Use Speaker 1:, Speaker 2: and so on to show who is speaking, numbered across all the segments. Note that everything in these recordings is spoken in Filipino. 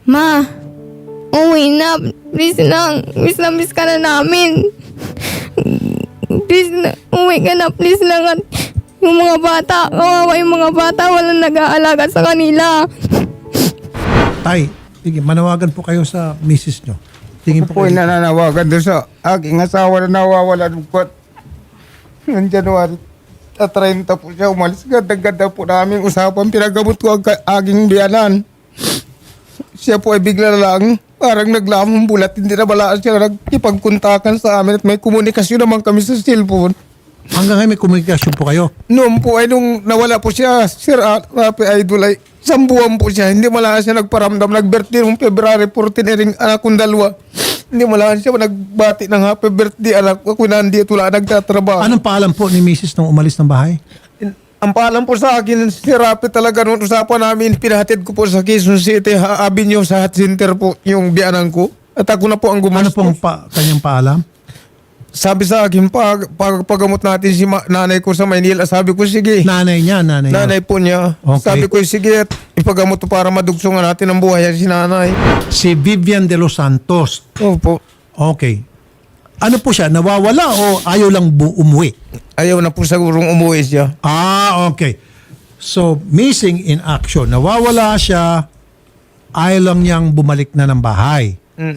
Speaker 1: Ma, uwi na. Please lang. Miss na miss ka na namin. Please na, uwi ka na. Please lang. At yung mga bata, kawawa yung mga bata, walang nag-aalaga sa kanila.
Speaker 2: Tay, sige, manawagan po kayo sa misis nyo. Tingin po
Speaker 3: Po
Speaker 2: kayo.
Speaker 3: nananawagan doon sa aking asawa na nawawala ng kwat. Noong January 30 po siya umalis. Ganda-ganda po namin usapan. Pinagamot ko ang aking biyanan. Siya po ay bigla lang parang naglamang bulat. Hindi na balaan siya nagkipagkuntakan sa amin at may komunikasyon naman kami sa cellphone.
Speaker 2: Hanggang ngayon may komunikasyon po kayo.
Speaker 3: Noon po ay nung nawala po siya, Sir Rafi Idol ay 1 buwan po siya. Hindi malaan siya nagparamdam. Nag-birthday noong February 14 ring anak kong 2. Hindi malaan siya nagbati ng happy birthday anak ko. Nandito lang nagtatrabaho.
Speaker 2: Anong paalam po ni misis nung umalis ng bahay?
Speaker 3: Ang paalam po sa akin, si Rafi talaga noong usapan namin, pinahatid ko po sa Quezon City Avenue sa Hot Center po yung biyanan ko. At ako na po ang
Speaker 2: Ano
Speaker 3: gumastos.
Speaker 2: pong kanyang paalam?
Speaker 3: Sabi sa akin, paggamot natin si nanay ko sa Maynila, sabi ko, sige.
Speaker 2: Nanay niya.
Speaker 3: Nanay po niya.
Speaker 2: Okay.
Speaker 3: Sabi ko, sige, ipagamot to para madugsungan natin ang buhay si nanay.
Speaker 2: Si Vivian de los Santos.
Speaker 3: Opo.
Speaker 2: Okay. Ano po siya? Nawawala o ayaw lang umuwi?
Speaker 3: Ayaw na po sigurong umuwi siya.
Speaker 2: Okay. So, missing in action. Nawawala siya, ayaw lang niyang bumalik na ng bahay.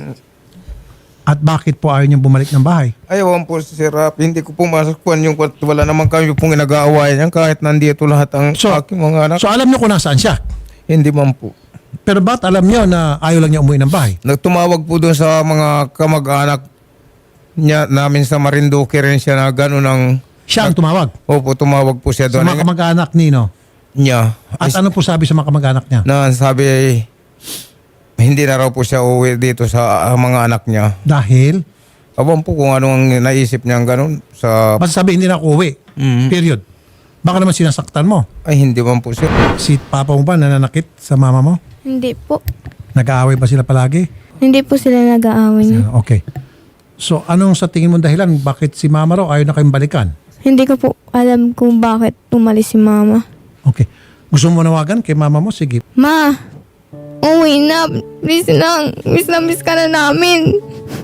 Speaker 2: At bakit po ayaw niyang bumalik ng bahay?
Speaker 3: Ayaw po si Sir Rafi. Hindi ko pumasok po yung kwarto. Wala naman kami pong nag-aaway niyan kahit nandito lahat ang aking mga anak.
Speaker 2: So, alam niyo kung nasaan siya?
Speaker 3: Hindi man po.
Speaker 2: Pero ba't alam niyo na ayaw lang niya umuwi ng bahay?
Speaker 3: Nagtumawag po doon sa mga kamag-anak niya namin sa Marinduque rin siya na gano'n ang...
Speaker 2: Siya ang tumawag.
Speaker 3: Opo, tumawag po siya
Speaker 2: Sa
Speaker 3: doon.
Speaker 2: mga kamag-anak nino.
Speaker 3: Niya.
Speaker 2: At ano po sabi sa mga kamag-anak niya?
Speaker 3: Na sabi ay hindi na raw po siya uwi dito sa mga anak niya.
Speaker 2: Dahil,
Speaker 3: Abang po kung anong naisip niya gano'n sa...
Speaker 2: basta sabi hindi na ako uwi. Period. Baka naman sinasaktan mo.
Speaker 3: Ay, hindi man po siya.
Speaker 2: Si papa mo ba nananakit sa mama mo?
Speaker 1: Hindi po.
Speaker 2: Nag-aaway ba sila palagi?
Speaker 1: Hindi po sila nag-aaway.
Speaker 2: Okay. So, anong sa tingin mo dahilan? Bakit si mama raw ayaw na kayong balikan?
Speaker 1: Hindi ko po alam kung bakit umalis si mama.
Speaker 2: Okay. Gusto mo manawagan kay mama mo? Sige.
Speaker 1: Ma, uwi na. Please lang. Miss na miss ka na namin.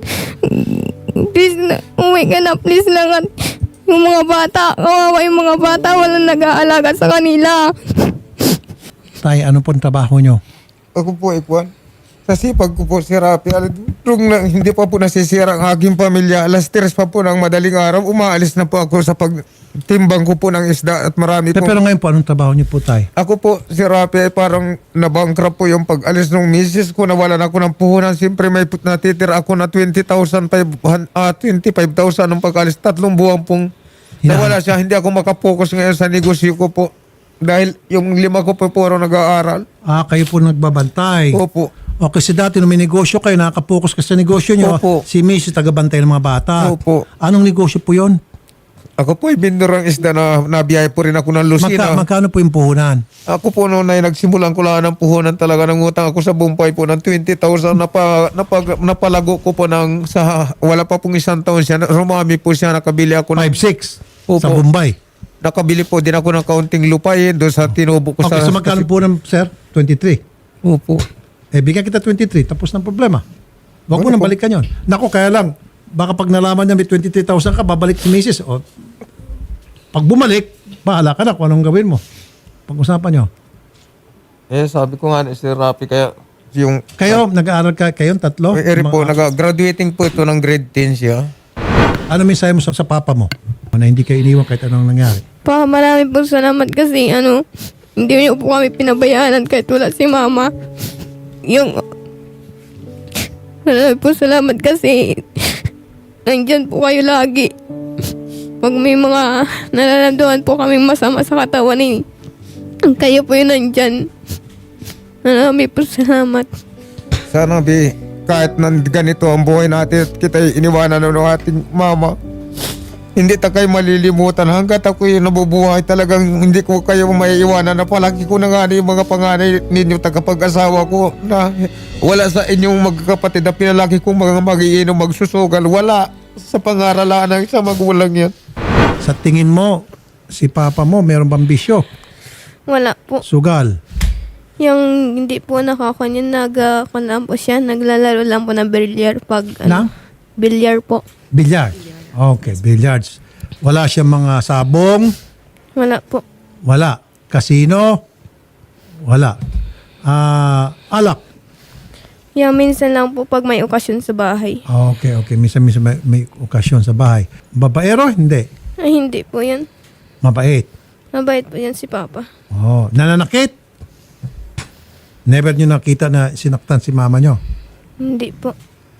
Speaker 1: Please na, uwi ka na. Please lang. At yung mga bata, kawawa yung mga bata, walang nag-aalaga sa kanila.
Speaker 2: Tay, ano po ang trabaho nyo?
Speaker 3: Ako po, Ikwan. Sa sipag ko po si Rafi, hindi pa po nasisira ang aking pamilya. Alas 3 pa po ng madaling araw, umaalis na po ako sa pagtimbang ko po ng isda at marami po.
Speaker 2: Pero ngayon po, anong trabaho nyo po, tay?
Speaker 3: Ako po, si Rafi, ay parang nabankrupt po yung pag-alis ng misis ko. Nawalan ako ng puhunan. Siyempre may natitira ako na 25,000 nung pag-alis. 3 buwan pong nawala siya. Hindi ako makapokus ngayon sa negosyo ko po. Dahil yung 5 ko po puro nag-aaral.
Speaker 2: Kayo po nagbabantay.
Speaker 3: Opo.
Speaker 2: O kasi dati nung may negosyo kayo, nakaka-focus ka sa negosyo nyo.
Speaker 3: Opo.
Speaker 2: Si Mrs. tagabantay ng mga bata.
Speaker 3: Opo.
Speaker 2: Anong negosyo po yon?
Speaker 3: Ako po ay bindor ng isda na nabiyahe po rin ako ng Lucena.
Speaker 2: Magkano po yung puhunan?
Speaker 3: Ako po noon ay nagsimulan ko lang ng puhunan talaga ng utang ako sa Bumpay po ng 20,000 napalago ko po ng wala pa pong 1 taon siya. Rumami po siya, nakabili ako ng
Speaker 2: 5-6
Speaker 3: Opo.
Speaker 2: sa Bombay.
Speaker 3: Nakabili po din ako ng kaunting lupain doon sa tinubo ko
Speaker 2: Okay,
Speaker 3: sa...
Speaker 2: so magkano po ng sir? 23.
Speaker 3: Opo.
Speaker 2: Bigyan kita 23, tapos ng problema. Huwag mo nang balikan yon. Naku, kaya lang, baka pag nalaman niya may 23,000 ka, babalik si Mrs. O, pag bumalik, bahala ka na kung anong gawin mo. Pag-usapan nyo.
Speaker 3: Sabi ko nga ni Sir Rafi, kaya yung...
Speaker 2: Kayo, nag-aaral kayong tatlo?
Speaker 3: po, graduating po ito ng grade 10 siya.
Speaker 2: Ano mensahe mo sa papa mo? Na hindi kayo iniwan kahit anong nangyari?
Speaker 1: Pa, marami po salamat kasi hindi niyo po kami pinabayaan kahit wala si mama. Marami po salamat kasi nandyan po kayo lagi. Pag may mga nararamdaman po kaming masama sa katawan kayo po yun nandyan. Marami po salamat.
Speaker 3: Sana kahit ganito ang buhay natin at kita iniwanan ng ating mama, hindi ta kayo malilimutan. Hanggat ako yung nabubuhay, talagang hindi ko kayo maiiwanan. Na palagi ko na nga yung mga panganay ninyo tagapag-asawa ko na wala sa inyong magkakapatid na pinalagi kong mga magiinom, magsusugal. Wala sa pangaralan ng isang magulang yan.
Speaker 2: Sa tingin mo, si papa mo meron bang bisyo?
Speaker 1: Wala po.
Speaker 2: Sugal?
Speaker 1: Yung hindi po nakakuha yun, lang po siya, naglalaro lang po ng bilyar pag,
Speaker 2: Ng?
Speaker 1: bilyar po.
Speaker 2: Billiard. Okay, billiards. Wala siyang mga sabong?
Speaker 1: Wala po.
Speaker 2: Wala. Casino? Wala. Alak?
Speaker 1: Yung minsan lang po pag may okasyon sa bahay.
Speaker 2: Okay. Minsan may okasyon sa bahay. Babaero? Hindi.
Speaker 1: Ay, hindi po yan.
Speaker 2: Mabait.
Speaker 1: Mabait po yan si Papa.
Speaker 2: Oh, nananakit? Never nyo nakita na sinaktan si mama nyo?
Speaker 1: Hindi po.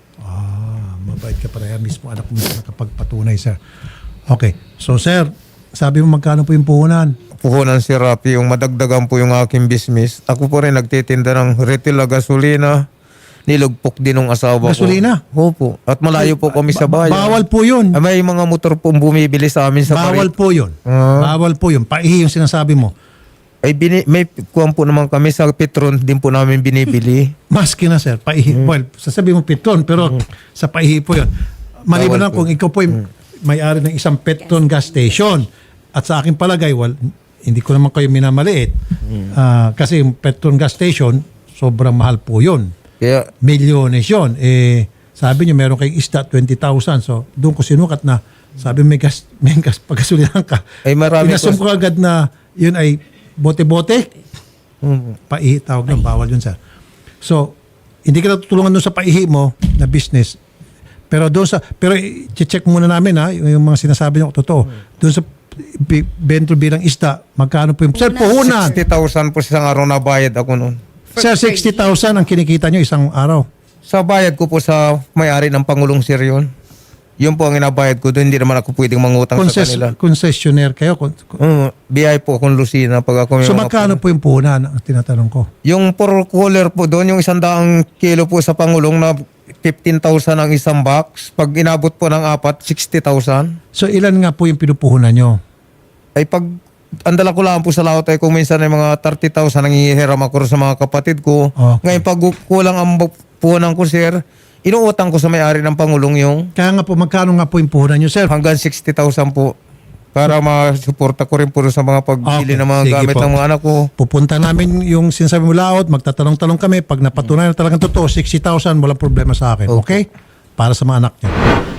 Speaker 2: Mabait ka pareha mismo. Anak mo nakapagpatunay, sir. Okay. So, sir, sabi mo magkano po yung puhunan?
Speaker 3: Puhunan si Rapi, yung madagdagan po yung aking business. Ako po rin nagtitinda ng retail na gasolina. Nilugpok din ng asawa
Speaker 2: Gasolina?
Speaker 3: ko. Opo. At malayo po kami sa bayan.
Speaker 2: Bawal po yun.
Speaker 3: May mga motor pong bumibili sa amin sa
Speaker 2: Bawal po yun. Bawal po yun. Paihi yung sinasabi mo.
Speaker 3: Ay may kuwan po naman kami sa Petron din po namin binibili.
Speaker 2: Maski na, sir. Paihi. Well, sasabi mo Petron, pero sa paihi po yun. Maliban
Speaker 3: Bawal
Speaker 2: lang
Speaker 3: po.
Speaker 2: kung ikaw po yung may-ari ng isang Petron gas station. At sa aking palagay, hindi ko naman kayo minamaliit. Kasi yung Petron gas station, sobrang mahal po yun.
Speaker 3: Kaya
Speaker 2: Milyones yun. Sabi niyo meron kayong isda 20,000. So, doon ko sinukat na sabi may gas pagkasulihan ka.
Speaker 3: Ay, marami
Speaker 2: Inasum
Speaker 3: po.
Speaker 2: ko agad na yun ay bote-bote. Paihi, tawag doon. Bawal yun, sir. So, hindi ka natutulungan doon sa paihi mo na business. Pero check muna namin ha, yung mga sinasabi niyo totoo. Doon sa bento bilang isda, magkano po yung... Sir, puhunan.
Speaker 3: 60,000 po sa isang araw na bayad ako noon.
Speaker 2: Sir, 60,000 ang kinikita niyo isang araw.
Speaker 3: Sa bayad ko po sa may-ari ng Pangulong Sir yun. Yun po ang inabayad ko doon. Hindi naman ako pwedeng mangutang sa kanila.
Speaker 2: Concessionaire kayo.
Speaker 3: BI po akong Lucina pag ako may
Speaker 2: So
Speaker 3: mga
Speaker 2: magkano po yung puhunan ang tinatanong ko?
Speaker 3: Yung per cooler po doon, yung 100 kilo po sa Pangulong na 15,000 ang isang box. Pag inabot po ng 4, 60,000.
Speaker 2: So ilan nga po yung pinupuhunan nyo?
Speaker 3: Ay pag andala ko lang po sa laot ay kung minsan ay mga 30,000 ang hihiram ako sa mga kapatid ko.
Speaker 2: Okay.
Speaker 3: Ngayon pag kulang ang puhunan ko, sir, inuutang ko sa may-ari ng Pangulong yung
Speaker 2: Kaya nga po, magkano nga po yung puhunan nyo, sir?
Speaker 3: hanggang 60,000 po para masuporta ko rin po sa mga pagbili
Speaker 2: Okay,
Speaker 3: ng mga
Speaker 2: sige
Speaker 3: gamit
Speaker 2: po.
Speaker 3: ng mga anak ko.
Speaker 2: Pupunta namin yung sinasabi mo laot, magtatanong-talong kami. Pag napatunayan na talagang totoo, 60,000, walang problema sa akin. Okay? Para sa mga anak nyo.